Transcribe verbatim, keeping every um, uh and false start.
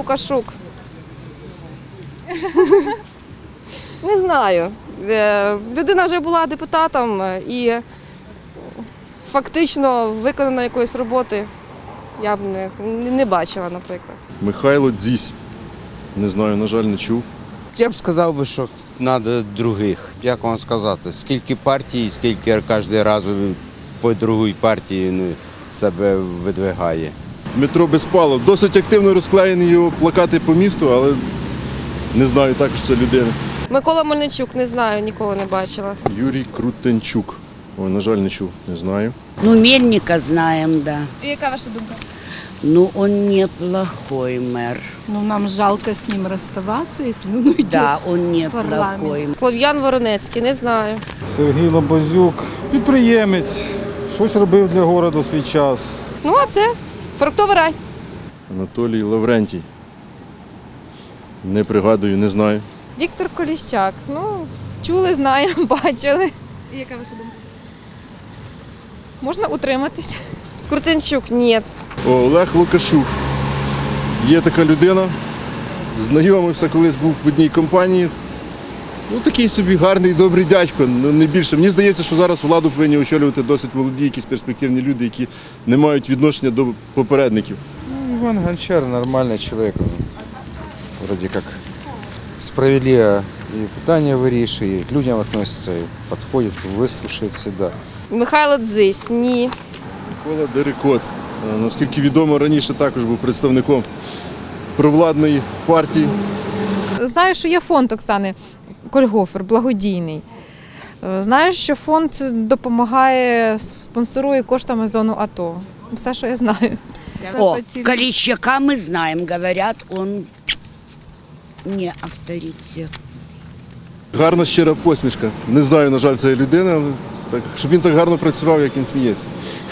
Лукашук. Не знаю. Людина вже була депутатом і фактично виконано якоїсь роботи я б не, не бачила, наприклад. Михайло Дзісь. Не знаю, на жаль, не чув. Я б сказав би, що треба других. Як вам сказати, скільки партій, скільки кожен раз по другій партії себе видвигає. Дмитро Безпалов. Досить активно розклеєні його плакати по місту, але не знаю також це людина. Микола Мельничук, не знаю, ніколи не бачила. Юрій Крутенчук. Ой, на жаль, не чув, не знаю. Ну, Мельника знаем, да. І яка ваша думка? Ну, он неплохой мэр. Ну, нам жалко с ним расставаться, если он уйдет. Да, он парламент. неплохой. Слов'ян Воронецький, не знаю. Сергій Лабазюк, підприємець, щось робив для міста у свій час. Ну, а це фруктовий рай. Анатолій Лаврентій. Не пригадую, не знаю. Віктор Коліщак. Ну, чули, знаємо, бачили. І яка ваша думка? Можна утриматися. Крутенчук, ні. О, Олег Лукашук. Є така людина. Знайомився, колись був в одній компанії. Ну, такий собі гарний, добрий дядько, ну, не більше. Мені здається, що зараз владу повинні очолювати досить молоді, якісь перспективні люди, які не мають відношення до попередників. Ну, Иван Гончар нормальный человек. Он вроде как справедливо и питание вирішує, к людям относится, и подходит, выслушает всегда. Михайло Дзись, ні. Микола Дерекот. Наскільки відомо, раніше також був представником провладної партії. Знаю, що є фонд Оксани Кольгофер, благодійний. Знаю, що фонд допомагає, спонсорує коштами зону АТО. Все, що я знаю. О, Колещака мы знаем, говорят, он не авторитет. Гарна щира посмішка. Не знаю, на жаль, цієї людини, але так, щоб він так гарно працював, як він сміється.